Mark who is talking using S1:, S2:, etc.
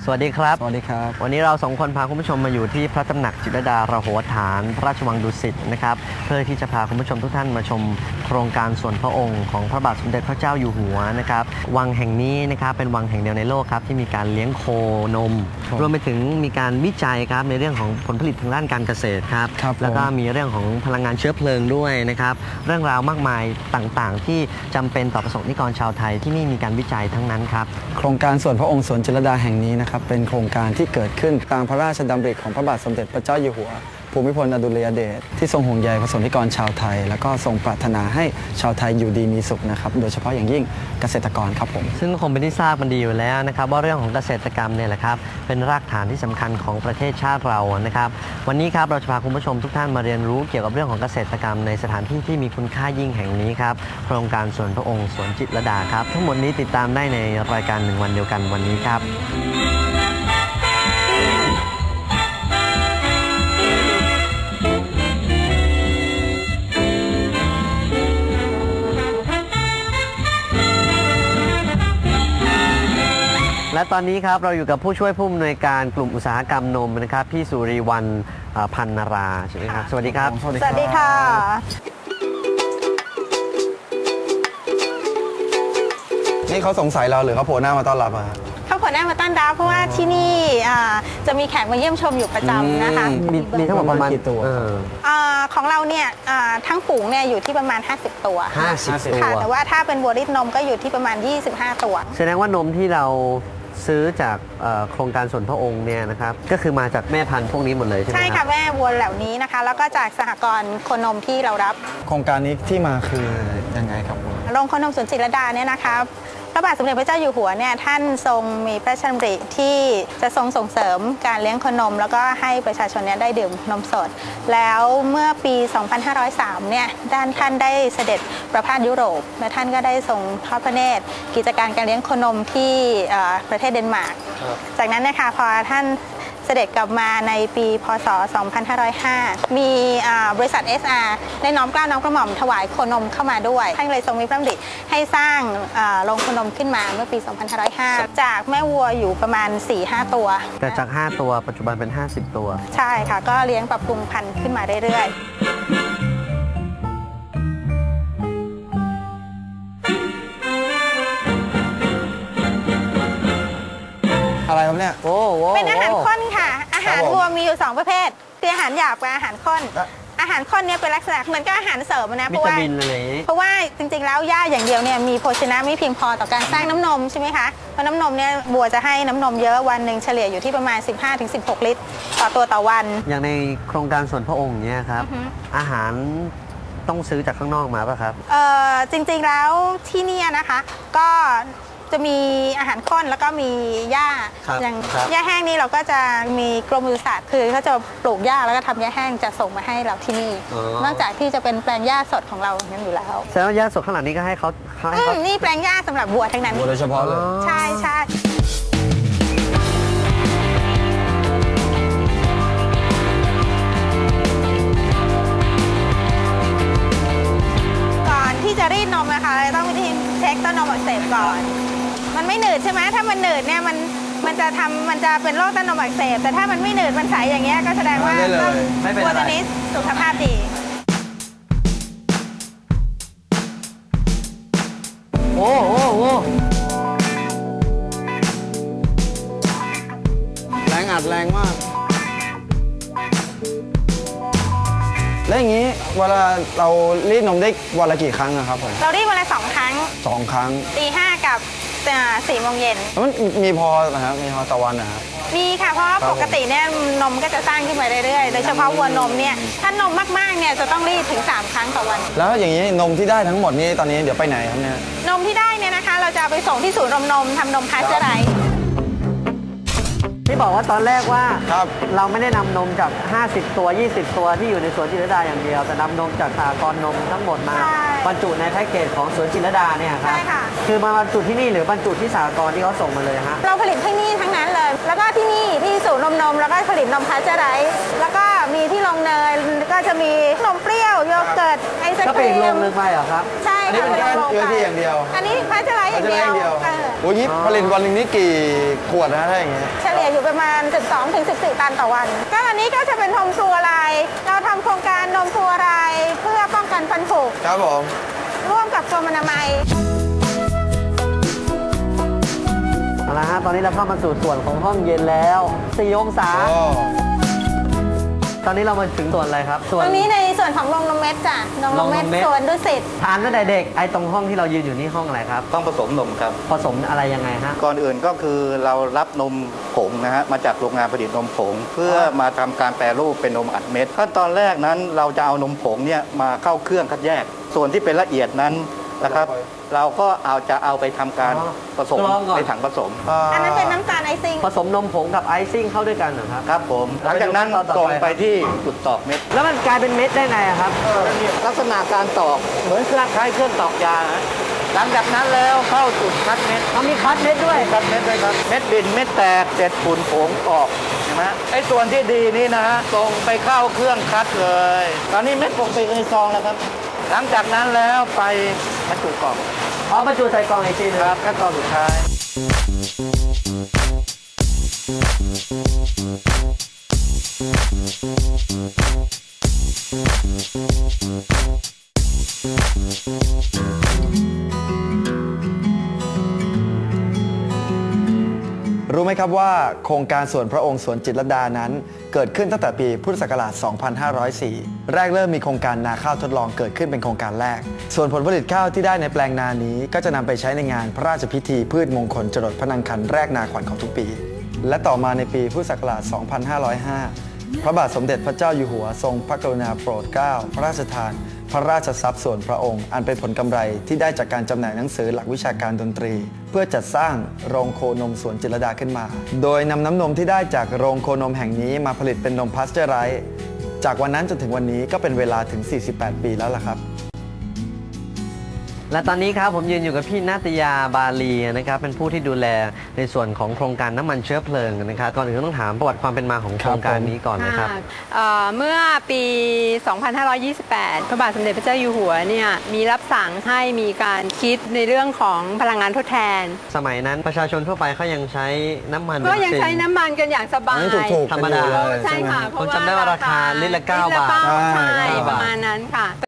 S1: สวัสดีครับ
S2: สวัสดีครับ
S1: วันนี้เราสองคนพาคุณผู้ชมมาอยู่ที่พระตำหนักจิตรลดาระโหฐานพระราชวังดุสิตนะครับเพื่อที่จะพาคุณผู้ชมทุกท่านมาชมโครงการส่วนพระองค์ของพระบาทสมเด็จพระเจ้าอยู่หัวนะครับวังแห่งนี้นะครับเป็นวังแห่งเดียวในโลกครับที่มีการเลี้ยงโคนมรวมไปถึงมีการวิจัยครับในเรื่องของผลผลิตทางด้านการเกษตรครับแล้วก็มีเรื่องของพลังงานเชื้อเพลิงด้วยนะครับเรื่องราวมากมายต่างๆที่จำเป็นต่อประสบนิกรชาวไทยที่นี่มีการวิจัยทั้งนั้นครับ
S2: โครงการส่วนพระองค์สวนจิตรลดาแห่งนี้นะครับเป็นโครงการที่เกิดขึ้นตามพระราชดำริของพระบาทสมเด็จพระเจ้าอยู่หัวภูมิพลอดุลยเดชที่ทรงห่วงใยประสบนิกรชาวไทยแล้วก็ทรงปรารถนาให้ชาวไทยอยู่ดีมีสุขนะครับโดยเฉพาะอย่างยิ่งเกษตรกรครับผม
S1: ซึ่งคงเป็นที่ทราบกันดีอยู่แล้วนะครับว่าเรื่องของเกษตรกรรมเนี่ยแหละครับเป็นรากฐานที่สำคัญของประเทศชาติเรานะครับวันนี้ครับเราจะพาคุณผู้ชมทุกท่านมาเรียนรู้เกี่ยวกับเรื่องของเกษตรกรรมในสถานที่ที่มีคุณค่ายิ่งแห่งนี้ครับโครงการส่วนพระองค์สวนจิตรลดาครับทั้งหมดนี้ติดตามได้ในรายการ1วันเดียวกันวันนี้ครับและตอนนี้ครับเราอยู่กับผู้ช่วยผู้อำนวยการกลุ่มอุตสาหกรรมนมนะครับพี่สุริวรรณพันนาราใช่ไหมครับสวัสดีครับ
S3: สวัสดีค่ะ
S2: นี่เขาสงสัยเราหรือเขาโผล่หน้ามาต้อนรับอะ
S3: เขาผลได้มาต้อนรับเพราะว่าที่นี่จะมีแขกมาเยี่ยมชมอยู่ประจำนะคะ
S1: มีทั้งหมดประมาณ
S2: กี่ตัว
S3: ของเราเนี่ยทั้งฝูงเนี่ยอยู่ที่ประมาณ50ตัว
S1: 50ตัว
S3: ค่ะแต่ว่าถ้าเป็นบัวรีดนมก็อยู่ที่ประมาณ25ตัว
S1: แสดงว่านมที่เราซื้อจากโครงการส่วนพระองค์เนี่ยนะครับก็คือมาจากแม่พันธุ์พวกนี้หมดเลยใช่ไหมครับ
S3: ใช่ค่ะแม่วัวเหล่านี้นะคะแล้วก็จากสหกรณ์โคนมที่เรารับ
S2: โครงการนี้ที่มาคือยังไงครับ
S3: โรงโคนมสวนจิตรลดาเนี่ยนะคะพระบาทสมเด็จพระเจ้าอยู่หัวเนี่ยท่านทรงมีพระราชดำริที่จะทรงส่งเสริมการเลี้ยงโคนมแล้วก็ให้ประชาชนเนี่ยได้ดื่มนมสดแล้วเมื่อปี 2503 เนี่ยท่านได้เสด็จประพาสยุโรปและท่านก็ได้ทรงทอดพระเนตรกิจการการเลี้ยงโคนมที่ประเทศเดนมาร์กจากนั้นนะคะพอท่านเสด็จกลับมาในปีพศ 2505 มีบริษัท SR ได้น้อมเกล้าน้อมกระหม่อมถวายโคนมเข้ามาด้วยท่านเลยทรงมีพระดำริให้สร้างโรงโคนมขึ้นมาเมื่อปี 2505 จากแม่วัวอยู่ประมาณ 4-5 ตัว
S1: แต่จาก5ตัวปัจจุบันเป็น50ตัว
S3: ใช่ค่ะก็เลี้ยงปรับปรุงพันธุ์ขึ้นมาเรื่อยๆ
S2: อะไรครับเนี่ย
S3: เป็นอาหารข้นค่ะอาหารวัวมีอยู่2ประเภทคืออาหารหยาบกับอาหารข้นอาหารข้นเนี่ยเป็นลักษณะเหมือนกับอาหารเสริมนะเพราะว่าจริงๆแล้วหญ้าอย่างเดียวเนี่ยมีโภชนะไม่เพียงพอต่อการสร้างน้ำนมใช่ไหมคะเพราะน้ำนมเนี่ยวัวจะให้น้ำนมเยอะวันหนึ่งเฉลี่ยอยู่ที่ประมาณ 15-16 ลิตรต่อตัวต่อวัน
S1: อย่างในโครงการส่วนพระองค์เนี่ยครับอาหารต้องซื้อจากข้างนอกมาป่ะครับ
S3: จริงๆแล้วที่นี่นะคะก็จะมีอาหารข้นแล้วก็มีหญ้าอย่างหญ้าแห้งนี่เราก็จะมีกรมปศุสัตว์คือเขาจะปลูกหญ้าแล้วก็ทำหญ้าแห้งจะส่งมาให้เราที่นี่นอกจากที่จะเป็นแปลงหญ้าสดของเราอย่างนั้นอยู่แล้ว
S1: แสดงว่าหญ้าสดข้างหลังนี้ก็ให้เขา
S3: นี่แปลงหญ้าสำหรับวัวทั้งนั้น
S2: โดยเฉพาะเลย
S3: ใช่ใช่ก่อนที่จะรีดนมนะคะเราต้องวิธีเช็คต้นนมอักเสบก่อนมันไม่หนืดใช่ไหมถ้ามันหนืดเนี่ยมันจะเป็นโรคต้นนมอักเสบแต่ถ้ามันไม่หนืดมันใสอย่างเงี้ยก็แสดงว่าวัวตัวนี้สุขภาพดี
S1: โอ้
S2: แรงอัดแรงมากแล้วอย่างนี้เวลาเรารีดนมได้วันละกี่ครั้งครับผม
S3: เรารีดวันละ2 ครั้ง
S2: 2 ครั้ง
S3: ตี 5กับ4 โมงเย็น
S2: มันมีพอนะครับมีพอต่อวันนะครับ
S3: มีค่ะเพราะปกติเนี่ยนมก็จะสร้างขึ้นมาเรื่อยๆโดยเฉพาะวัวนมเนี่ยถ้านมมากๆเนี่ยจะต้องรีดถึง3 ครั้งต่อวัน
S2: แล้วอย่างนี้นมที่ได้ทั้งหมดนี้ตอนนี้เดี๋ยวไปไหนครับเนี่ย
S3: นมที่ได้เนี่ยนะคะเราจะไปส่งที่ศูนย์นมทำนมพาสเจอร์ไรส์
S1: ที่บอกว่าตอนแรกว่าเราไม่ได้นำนมจาก50ตัว20ตัวที่อยู่ในสวนจิตรลดาอย่างเดียวแต่นำนมจากสหกรณ์นมทั้งหมดมาบรรจุในแพ็กเกจของสวนจิตรลดาเนี่ยครับคือมาบรรจุที่นี่หรือบรรจุที่สหกรณ์ที่เขาส่งมาเลยฮะ
S3: เราผลิตที่นี่ทั้งนั้นเลยแล้วก็ที่นี่ที่ศูนย์นมแล้วก็ผลิตนมพาสเจอร์ไรส์แล้วก็มีที่ลงเนยก็จะมีนมเปรี้ยวโยเกิร์ตไอศ
S1: ก็
S3: ค
S1: เป็น
S3: รี
S1: อีกโรง
S3: ม
S1: นึงไปเหรอครับ
S3: ใช่
S2: อันนี้
S3: ค่ะ
S2: เป็นแค่
S3: โรง
S2: เชื้อ
S3: ไป
S2: ที่อย่างเดียว
S3: อันนี้พัชไลท์อย่างเดียว
S2: โอ้ยผลิตวันหนึ่งนี่กี่ขวดนะถ้าอย่างเงี้ย
S3: เฉลี่ยอยู่ประมาณ 12 ถึง 14 ตันต่อวัน ก็อันนี้ก็จะเป็นนมฟลูออไรด์เราทำโครงการนมฟลูออไรด์เพื่อป้องกันฟันผุ
S2: ครับผม
S3: ร่วมกับกรมอนามัย
S1: เอาละฮะตอนนี้เราเข้ามาสู่ส่วนของห้องเย็นแล้ว4 องศา
S2: โอ้
S1: ตอนนี้เรามาถึงส่วนอะไรครับ
S3: ตรงนี้ในส่วนของโรงนมเม็ดจ้ะโรงนมเม็ด
S1: โรงนมเม็ด
S3: สวนดุสิต
S1: ทานตั้งแต่เด็กไอ้ตรงห้องที่เรายืนอยู่นี่ห้องอะไรครับ
S4: ต้องผสมนมครับ
S1: ผสมอะไรยังไงฮะ
S4: ก่อนอื่นก็คือเรารับนมผงนะฮะมาจากโรงงานผลิตนมผง เพื่อมาทำการแปรรูปเป็นนมอัดเม็ดขั้นตอนแรกนั้นเราจะเอานมผงเนี่ยมาเข้าเครื่องคัดแยก ส่วนที่เป็นละเอียดนั้นนะครับ เราก็เอาไปทำการ
S1: อ๋อ
S4: ผสม
S1: กรองก่อน
S4: ในถังผสม
S3: อันนั้นเป็นน้ำตาลไอซิ่ง
S1: ผสมนมผงกับไอซิ่งเข้าด้วยกันเหรอครับ
S4: ครับผมหลังจากนั้น
S1: แล้วไปดูขั้นตอนต่อไป
S4: ส่งไปที่จุดตอกเม็ด
S1: แล้วมันกลายเป็นเม็ดได้ไงอะครับ
S4: ลักษณะการตอกเหมือนคล้ายๆเครื่องตอกยาฮะหลังจากนั้นแล้วเข้าจุดคัดเม็ด
S1: เขามีคัดเม็ดด้วย
S4: คัดเม็ดด้วยครับเม็ดดินเม็ดแตกเศษฝุ่นผงออกเห็นไหมไอ้ส่วนที่ดีนี่นะฮะส่งไปเข้าเครื่องคัดเลย ตอนนี้เม็ดผงไปในซองแล้วครับ หลังจากนั้นแล้วไปบรรจุกล่อง
S1: เอาบรรจุใส่กล่องอีกทีหนึง
S4: ครับขั้นตอนสุดท้าย
S2: รู้ไหมครับว่าโครงการสวนพระองค์สวนจิตรลดานั้น เกิดขึ้นตั้งแต่ปีพุทธศักราช 2504 แรกเริ่มมีโครงการนาข้าวทดลองเกิดขึ้นเป็นโครงการแรก ส่วนผลผลิตข้าวที่ได้ในแปลงนานี้ก็จะนำไปใช้ในงานพระราชพิธีพืชมงคลจรดพระนางคันแรกนาขวัญของทุกปี และต่อมาในปีพุทธศักราช 2505 พระบาทสมเด็จพระเจ้าอยู่หัวทรงพระกรุณาโปรดเกล้าพระราชทาน พระราชทรัพย์ส่วนพระองค์ อันเป็นผลกำไรที่ได้จากการจำหน่ายหนังสือหลักวิชาการดนตรี เพื่อจัดสร้างโรงโคนมสวนจิตรลดาขึ้นมา โดยนำน้ำนมที่ได้จากโรงโคนมแห่งนี้มาผลิตเป็นนมพาสเจอร์ไรส์จากวันนั้นจนถึงวันนี้ก็เป็นเวลาถึง 48 ปีแล้วล่ะครับ
S1: และตอนนี้ครับผมยืนอยู่กับพี่นาตยาบาลีนะครับเป็นผู้ที่ดูแลในส่วนของโครงการน้ำมันเชื้อเพลิงนะครับก่อนอื่นต้องถามประวัติความเป็นมาของโครงการนี้ก่อนนะครับ
S5: เมื่อปี 2528 พระบาทสมเด็จพระเจ้าอยู่หัวเนี่ยมีรับสั่งให้มีการคิดในเรื่องของพลังงานทดแทน
S1: สมัยนั้นประชาชนทั่วไปเขายังใช้น้ำมัน
S5: ก็ยังใช้น้ำมันกันอย่างสบา
S2: อัน
S5: ย
S2: นี้ถูกๆ
S1: ธรรมดา
S2: กันอยู่เลย
S5: ใช่ค่ะ
S2: ไหม
S5: เพราะ
S1: ผม
S5: ว่า
S1: จำได้ว่าราคาลิตรละ9 บาท
S5: ใช่
S2: 9
S5: ประมาณนั้นค่ะ